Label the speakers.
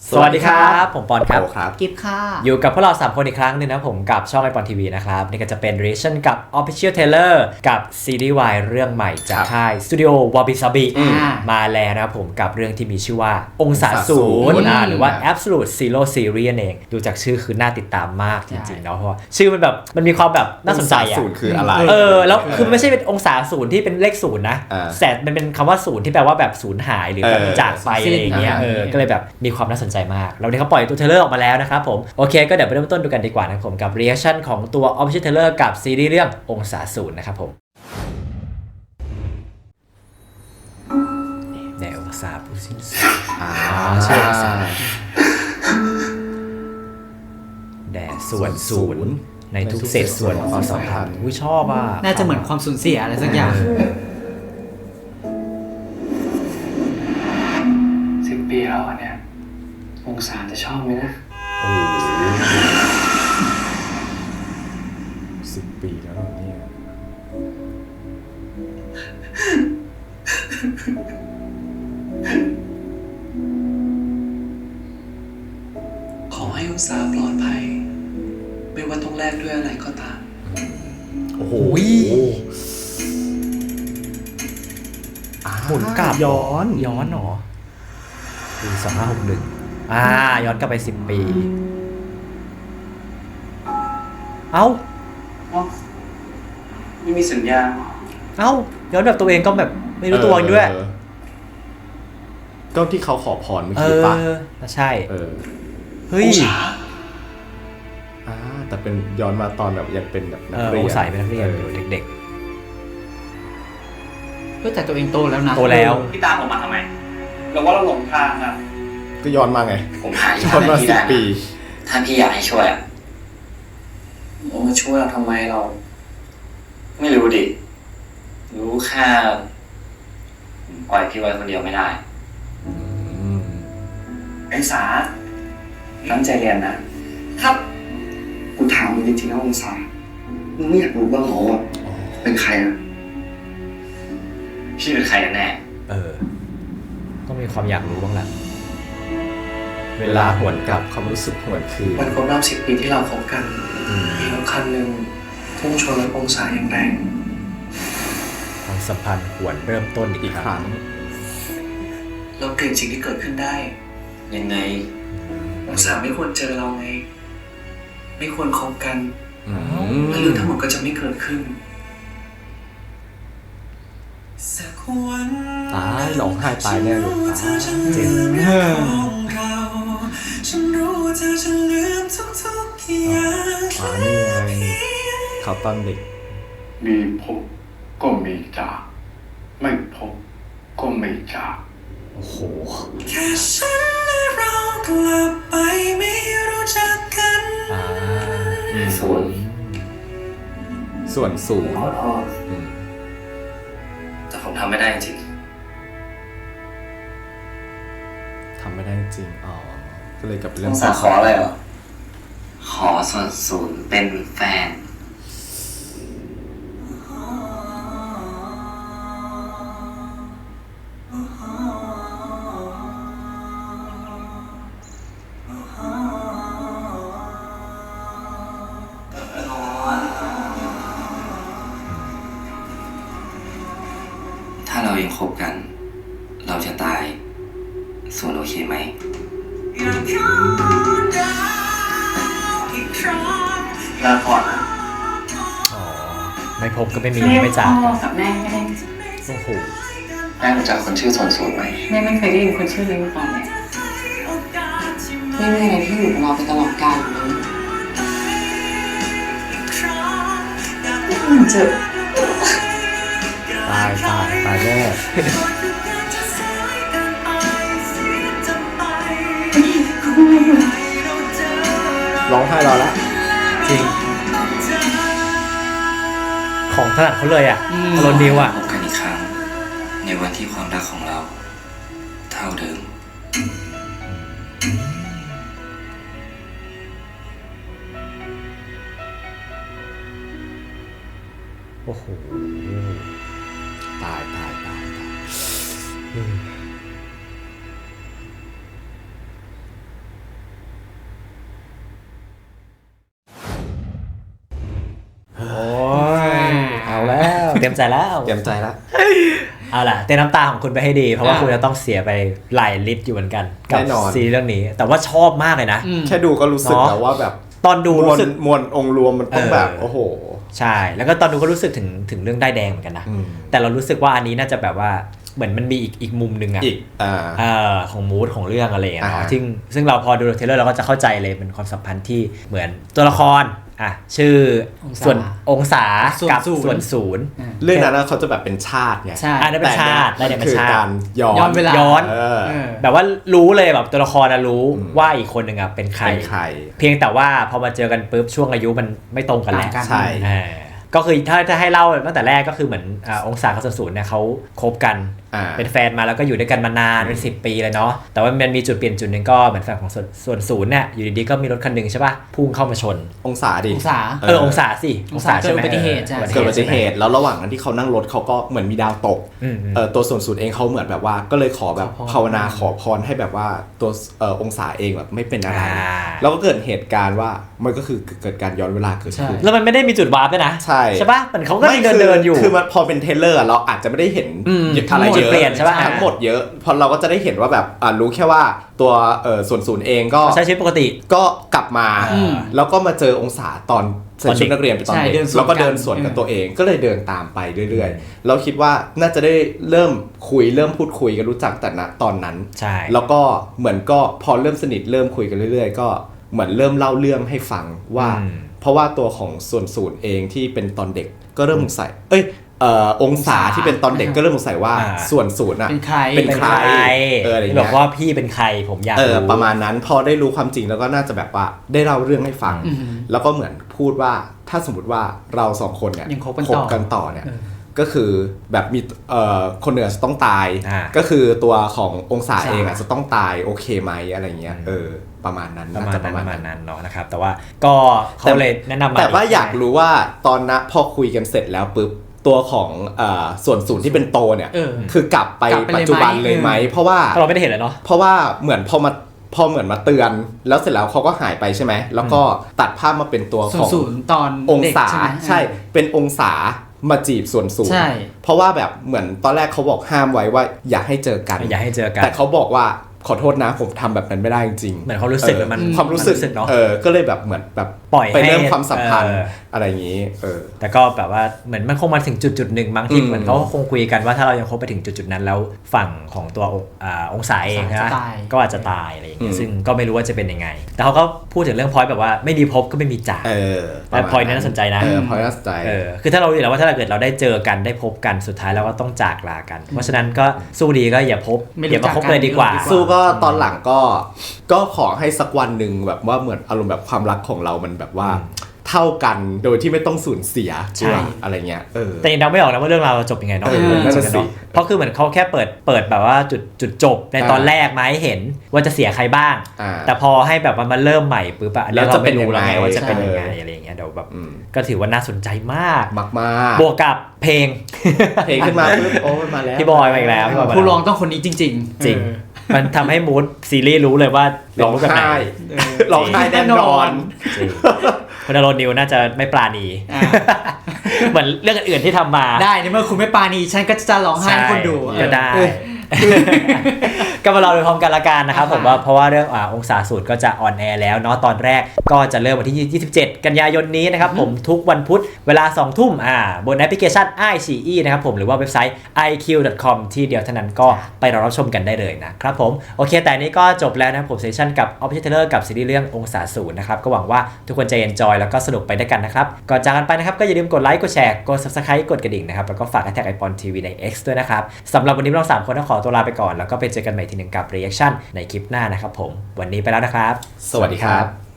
Speaker 1: สวัสดีครับผมปอนครับ
Speaker 2: กิฟค่ะ
Speaker 1: อยู่กับพวกเรา3คนอีกครั้งนึงนะผมกับช่องไอปอนทีวีนะครับนี่ก็จะเป็น reaction กับ Official Trailer กับซีรีส์วายเรื่องใหม่จากค่ายสตูดิโอวาบิซาบิมาแล้วนะครับผมกับเรื่องที่มีชื่อว่าองศาศูนย์หรือว่า Absolute Zero Series เองดูจากชื่อคือน่าติดตามมากจริงๆเนาะเพราะชื่อมันแบบมันมีความแบบน่าสนใจอ่ะ
Speaker 3: ศูนย์คืออะไร
Speaker 1: แล้วคือไม่ใช่เป็นองศาศูนย์ที่เป็นเลขศูนย์นะแต่มันเป็นคำว่าศูนย์ที่แปลว่าแบบสูญหายหรือแบบจากไปอะไรอย่างเงี้ยก็เลยแบบมีความน่าสนใจมากแล้วนี่เขาปล่อยตัวเทรลเลอร์ออกมาแล้วนะครับผมโอเคก็เดี๋ยวไปเริ่มต้นดูกันดีกว่านะครับผมกับ reaction ของตัว Official Trailer กับซีรีส์เรื่ององศาศูนย์นะครับผมแนวองศาผู้สิ้นสุดชื่อองศาแด่ส่วนศูนย์ในทุกเศษส่วนของความสัมพันธ์ชอบอ่ะ
Speaker 2: น่าจะเหมือนความสูญเสียอะไรสักอย่าง
Speaker 4: 10 ปีแล้วเนี่ยองศาจะชอบไหมนะ
Speaker 3: 10 ปีแล้วเนี่ย
Speaker 4: ขอให้องศาปลอดภัยไม่ว่าต้องแลกด้วยอะไรก็ตาม
Speaker 3: โอ้โห
Speaker 1: หมุนกลับย้อนหรอปี2561ย้อนกลับไป10 ปีเอ้า
Speaker 4: ไม่มีสัญญาณ
Speaker 1: ย้อนแบบตัวเองก็แบบไม่รู้ตัวด้วย
Speaker 3: ก็ที่เขาขอพรเมื่อกี้ป่ะ
Speaker 1: ใช่เฮ้ย
Speaker 3: แต่เป็นย้อนมาตอนแบบยังเป็นแบบนักเรียน
Speaker 1: ใส่เป็นนักเรียนอยู่เด็ก
Speaker 2: ๆก็แต่ตัวเองโตแล้วนะ
Speaker 1: โตแล้ว
Speaker 4: พี่ตามผมมาทำไมเราว่าเราหลงทางอ่ะ
Speaker 3: ก็ย้อนมาไง
Speaker 5: ผมหา
Speaker 3: ย้อนมา10 ปี
Speaker 5: ถ้าพี่อยากให้ช่วยอ่ะ
Speaker 4: มาช่วยเราทำไมเรา
Speaker 5: ไม่รู้ดิรู้แค่ปล่อยพี่ไว้คนเดียวไม่ได้
Speaker 4: ไอ้สาตั้งใจเรียนนะครับกูถามมึงจริงๆนะองศามึงไม่อยากรู้บ้างเหรอว่าเป็นใครอ่ะ
Speaker 5: พี่เป็นใครกันแน่
Speaker 1: ต้องมีความอยากรู้บ้างแหละ
Speaker 3: เวลาหวนกลับความรู้สึกหวนคืน
Speaker 4: วันครบรอบ10 ปีที่เราคบกันมีรถคันหนึ่งพุ่งชนรถองศาอย่างแรง
Speaker 1: ความสัมพันธ์หวนเริ่มต้นอีกครั้ง
Speaker 4: เราเปลี่ยนสิ่งที่เกิดขึ้นได้
Speaker 5: ยังไง
Speaker 4: องศาไม่ควรเจอเราไงไม่ควรคบกันแล้วเรื่องทั้งหมดก็จะไม่เกิดขึ้น
Speaker 3: ตายร้องไห้ตายแน่เลย
Speaker 1: จริง
Speaker 3: นี่ไงเขาตอนเด็ก
Speaker 6: มีพบก็มีจากไม่พบก็ไม่จาก
Speaker 3: โอ้โห
Speaker 4: แค่ฉันและเรากลับไปไม่รู้จักกัน
Speaker 3: ส่วนศูนย์
Speaker 5: แต่ผมทำไม่ได้จริง
Speaker 3: ทำไม่ได้จริงก็เลยกลับไปเรื่อง
Speaker 5: ขออะไรเหรอขอส่วนศูนย์เป็นแฟนถ้าเรายังคบกันเราจะตายส่วนโอเคไหม
Speaker 4: ลาก่อนนะ
Speaker 1: ไม่พบก็ไม่มีไม่จาก
Speaker 7: กับแม่ไม่ได้
Speaker 1: โอ้โห
Speaker 5: แม่รู้จักคนชื่อส่วนศูนย์ไหม
Speaker 7: แม่ไม่เคยได้ยินคนชื่อนี้มาก่อนเลยไม่มีอะไรที่อยู่กับเราไปตลอดกาลเลยมันเจ็บ
Speaker 3: ตายแน่ร้องไห้รอแล้ว
Speaker 1: จริงของถนัดเขาเลยโรนิว
Speaker 5: พบกันอีกครั้งในวันที่ความรักของเราเท่าเดิม
Speaker 1: โอ้โห
Speaker 3: ตาย
Speaker 1: แล้วเตรียมใจแล้ว
Speaker 3: เตรียมใจแล้ว
Speaker 1: เอาล่ะเต้นน้ำตาของคุณไปให้ดีเพราะว่า
Speaker 2: อ่า
Speaker 1: คุณจะต้องเสียไปหลายลิตรอยู่เหมือนกันกั
Speaker 3: แน่นอน
Speaker 1: ซีรีส์เรื่องนี้ แต่ว่าชอบมากเลยนะ
Speaker 3: แค่ดูก็รู้สึก
Speaker 1: เนอะ
Speaker 3: แล้วว่าแบบ
Speaker 1: ตอนดูรู้สึก
Speaker 3: มวลองค์รวมมันต้องแบบ โอ้โห
Speaker 1: ใช่แล้วก็ตอนดูก็รู้สึกถึงเรื่องได้ายแดงเหมือนกันนะ
Speaker 3: อืม
Speaker 1: แต่เรารู้สึกว่าอันนี้น่าจะแบบว่าเหมือนมันมีอีกมุมหนึ่งอะ
Speaker 3: อีก
Speaker 1: ของมูดของเรื่องอะไรอย่างเงี้ย
Speaker 3: อ่า
Speaker 1: เนาะซึ่งเราพอดูเทรลเลอร์เราก็จะเข้าใจเลยเป็นความสัมพันธ์ที่เหมือนตัวละครชื่อ
Speaker 2: องศา
Speaker 1: ส่วนองศา
Speaker 2: ส่วน
Speaker 1: กับ
Speaker 2: ศูนย์
Speaker 1: ส่วนศูนย์
Speaker 3: เรื่องนั้นนะเขาจะแบบเป็นชาติไง
Speaker 2: ใช่
Speaker 1: อันนั้นเป็นชาติ
Speaker 3: แต่
Speaker 1: ได้
Speaker 3: เนี่ย
Speaker 1: เป็
Speaker 3: มัน นคือ
Speaker 1: ชาติ
Speaker 3: การย้อน
Speaker 2: ย้อนเวลา
Speaker 1: ย้อน
Speaker 3: เออ
Speaker 2: เออ
Speaker 1: แบบว่ารู้เลยแบบตัวละครนะรู้ว่าอีกคนหนึ่งอะเป็นใคร
Speaker 3: เป็นใคร
Speaker 1: เพียงแต่ว่าพอมาเจอกันปุ๊บช่วงอายุมันไม่ตรงกันแหละ
Speaker 2: ต่างกัน
Speaker 3: ใช่
Speaker 1: ก็คือถ้าจะให้เล่าตั้งแต่แรกก็คือเหมือนองศากับส่วนศูนย์เนี่ยเขาคบกัน เป็นแฟนมาแล้วก็อยู่ด้วยกันมานานเป็น10 ปีเลยเนาะแต่ว่ามันมีจุดเปลี่ยนจุดหนึ่งก็เหมือนแฟนของส่วนศูนย์เนี่ยอยู่ดีๆก็มีรถคันหนึ่งใช่ป่ะพุ่งเข้ามาชน
Speaker 3: องศาดิ
Speaker 2: องศา
Speaker 1: องศาสิ
Speaker 2: องศาเกิดอุบัติเหตุใช่
Speaker 3: เกิดอุบัติเหตุแล้วระหว่างนั้นที่เขานั่งรถเขาก็เหมือนมีดาวตก ตัวส่วนศูนย์เองเขาเหมือนแบบว่าก็เลยขอแบบ
Speaker 2: ขอพร
Speaker 3: ภาวนาขอพรให้แบบว่าตัวองศาเองแบบไม่เป็นอะไร
Speaker 1: อ่า
Speaker 3: แล้วก็เกิดเหตุการณ์ว่ามันก็คือเกิดการย้อนเวลาเกิดขึ้น
Speaker 1: แล้วมันไม่ได้มีจุดวาร์ปด้วยนะ
Speaker 3: ใช่
Speaker 1: ป่ะมันเขาก็ยังเดินอยู่
Speaker 3: คือมันพอเป็นเทรลเลอร์เราอาจจะไม่ได้เห็น อะไร
Speaker 1: จุ
Speaker 3: เย
Speaker 1: ด
Speaker 3: อะ
Speaker 1: เปลี่ยนใช่ปะ
Speaker 3: ทั้งหมดเยอะพอเราก็จะได้เห็นว่าแบบรู้แค่ว่าตัวส่วนศูนย์เองก็
Speaker 1: ใช้ชีวิตปกติ
Speaker 3: ก็กลับมา
Speaker 1: อืม
Speaker 3: แล้วก็มาเจอองศาตอนใส่ชุดนักเรียนเป็นตอน
Speaker 2: ใช่
Speaker 3: เด็ก
Speaker 2: เดินสวน
Speaker 3: แล้วก็เดิน
Speaker 2: กัน
Speaker 3: สวนกับตัวเองก็เลยเดินตามไปเรื่อยๆเราคิดว่าน่าจะได้เริ่มพูดคุยกันรู้จักแต่ณตอนนั้น
Speaker 1: ใช่
Speaker 3: แล้วก็เหมือนก็พอเริ่มสนิทเริ่มคุยกันเรื่อยๆ ก็เหมือนเริ่มเล่าเรื่องให้ฟังว่า เพราะว่าตัวของส่วนศูนย์เองที่เป็นตอนเด็กก็เริ่มสงสัยองศาที่เป็นตอนเด็กก็เริ่มสงสัยว่าส่วนศูนย์อะ
Speaker 2: เป็นใคร
Speaker 3: เป็นใครอะไรอย่าง
Speaker 1: บ
Speaker 3: เงี้
Speaker 1: อก
Speaker 3: ย
Speaker 1: ว่าพี่เป็นใครผมอยากรู้
Speaker 3: ประมาณนั้นพอได้รู้ความจริงแล้วก็น่าจะแบบว่าได้เล่าเรื่องให้ฟัง แล้วก็เหมือนพูดว่าถ้าสมมติว่าเราสองคนเนี่ย
Speaker 2: ยังคบกันต่อ
Speaker 3: เนี่ยก็คือแบบมีคนหนึ่งจะต้องตาย
Speaker 1: อ่า
Speaker 3: ก็คือตัวขององศา
Speaker 2: ใช่
Speaker 3: เองจะต้องตายโอเคไหมอะไรเงี้ยประมาณนั้น
Speaker 1: ประ
Speaker 3: น่า
Speaker 1: มาณ
Speaker 3: จะ
Speaker 1: นั้นประมาณ
Speaker 3: นั้น
Speaker 1: นั้นเนาะนะครับแต่ว่าก็เขาเลยแนะนำมา
Speaker 3: แต่ว่าอยากรู้ว่าตอนนั้นพอคุยกันเสร็จแล้วปุ๊บตัวของส่วนศูนย์ที่เป็นโตเนี่ย คือกลับไป
Speaker 2: กลับไปเลยไหม
Speaker 3: ปัจจุบันเลยไหมเพราะว่า
Speaker 1: เราไม่ได้เห็นเลยเนาะ
Speaker 3: เพราะว่าเหมือนพอเหมือนมาเตือนแล้วเสร็จแล้วเขาก็หายไปใช่ไหมแล้วก็ตัดภาพมาเป็นตัว
Speaker 2: ส่
Speaker 3: ข
Speaker 2: วน
Speaker 3: อง
Speaker 2: ศูนย์ตอน
Speaker 3: อง
Speaker 2: เด็ก
Speaker 3: ศา
Speaker 2: ใช่ไหม
Speaker 3: ใช่เป็นองศามาจีบส่วนศูน
Speaker 2: ใช่
Speaker 3: ย์เพราะว่าแบบเหมือนตอนแรกเขาบอกห้ามไว้ว่าอย่าให้เจอกัน
Speaker 1: อย่าให้เจอกัน
Speaker 3: แต่เขาบอกว่าขอโทษนะผมทำแบบนั้นไม่ได้จริงๆ
Speaker 1: เหมือนเขารู้สึกแล้วมัน
Speaker 3: ความรู้สึก
Speaker 1: มันรู้สึกเนอะ
Speaker 3: ก็เลยแบบเหมือนแบบ
Speaker 1: ปล่อย
Speaker 3: ไปเริ่ม
Speaker 1: ให้
Speaker 3: ความสัมพันธ์อะไรอย่างนี้
Speaker 1: แต่ก็แบบว่าเหมือนมันคงมาถึงจุดหนึ่งบางที่เหมือนเขาคงคุยกันว่าถ้าเรายังคบไปถึงจุดนั้นแล้วฝั่งของตัวองศาเอง
Speaker 2: จะ
Speaker 1: นะ
Speaker 2: ตาย
Speaker 1: ก็อาจจะตายอะไรอย่างเงี้ยซึ่งก็ไม่รู้ว่าจะเป็นยังไง แต่เขาก็พูดถึงเรื่องพอยต์แบบว่าไม่มีพบก็ไม่มีจาก แต่ point นั้นน่าสนใจนะ
Speaker 3: point น่าสนใจ
Speaker 1: คือถ้าเรารู้อยู่แล้วว่าถ้าเกิดเราได้เจอกันได้พบกันสุดท้ายเราก็ต้องจากลากัน เพราะฉะนั้นก็สู้ดีก็อย่าพบ
Speaker 2: ไม่รู้
Speaker 1: อย่ามาพบ
Speaker 2: จักกัน
Speaker 1: เลยดีกว่า
Speaker 2: ดีกว่า
Speaker 3: สู้ก็ตอนหลังก็ขอให้สักวันหนึ่งแบบว่าเหมือนอารมณ์แบบความรักของเรามันแบบว่าเท่ากันโดยที่ไม่ต้องสูญเสีย
Speaker 1: ใช่
Speaker 3: อะไรเงี้ย
Speaker 1: แต่ยังเดาไม่ออกนะว่าเรื่องราวจะจบยังไงเนาะ
Speaker 3: นั่นน่ะสิ
Speaker 1: เพราะคือเหมือนเขาแค่เปิดแบบว่าจุดจบในตอนแรกมาให้เห็นว่าจะเสียใครบ้าง แต่พอให้แบบมันเริ่มใหม่ปุ๊บอะ
Speaker 3: แล้วจะเป็นยังไง
Speaker 1: ราม่รู้แล้วว่าจะเป็นยังไง
Speaker 3: ใช่
Speaker 1: อะไรอย่างเงี้ยเดี๋ยวแบบก็ถือว่าน่าสนใจมาก
Speaker 3: มากๆ
Speaker 1: บวกกับเพลง
Speaker 3: เพลงขึ้นมาปุ๊บโอ้ยมาแล้ว
Speaker 1: พี่บอยมาอีกแล้วพี่บอยมา
Speaker 2: ผู้ร้องต้องคนนี้จริง
Speaker 1: จริง มันทำให้มูดซีรีส์รู้เลยว่าเป็น
Speaker 3: ร้อง
Speaker 1: มูดแบบไหน
Speaker 3: ไห้ร้องไห้แน่นอน
Speaker 1: จริงคุณอารมณ์นิวน่าจะไม่ปราณี
Speaker 2: อ่า
Speaker 1: เหมือนเรื่องอื่นๆที่ทำมา
Speaker 2: ๆ ได้ในเมื่อคุณไม่ปาณีฉันก็จะร้องไห้ให้คนดู
Speaker 1: ก็ได้ ก็มาเราดูพร้อมกันละกันนะครับผมว่าเพราะว่าเรื่ององศาสูตรก็จะออนแอร์แล้วเนาะตอนแรกก็จะเริ่มวันที่ 27 กันยายนนี้นะครับผมทุกวันพุธเวลา 2 ทุ่มบนแอปพลิเคชัน iQIYI นะครับผมหรือว่าเว็บไซต์ iq.com ที่เดียวเท่านั้นก็ไปรอรับชมกันได้เลยนะครับผมโอเคแต่นี้ก็จบแล้วนะครับผมเซสชั่นกับ Official Trailer กับซีรีส์เรื่ององศาสูตรนะครับก็หวังว่าทุกคนจะ enjoy แล้วก็สนุกไปด้วยกันนะครับก่อนจากกันไปนะครับก็อย่าลืมกดไลค์กดแชร์กด Subscribe กดกระดิ่งนะครับแล้วก็ฝากแท็กไอปอนทีวีใน X ด้วยนะครับสำหรับวันนี้เรา3คนต้องขอตัวลาไปก่อนแล้วก็ไปเจอกันใหม่ทีหนึ่งกับ reaction ในคลิปหน้านะครับผมวันนี้ไปแล้วนะครับ
Speaker 3: สวัสดีครับ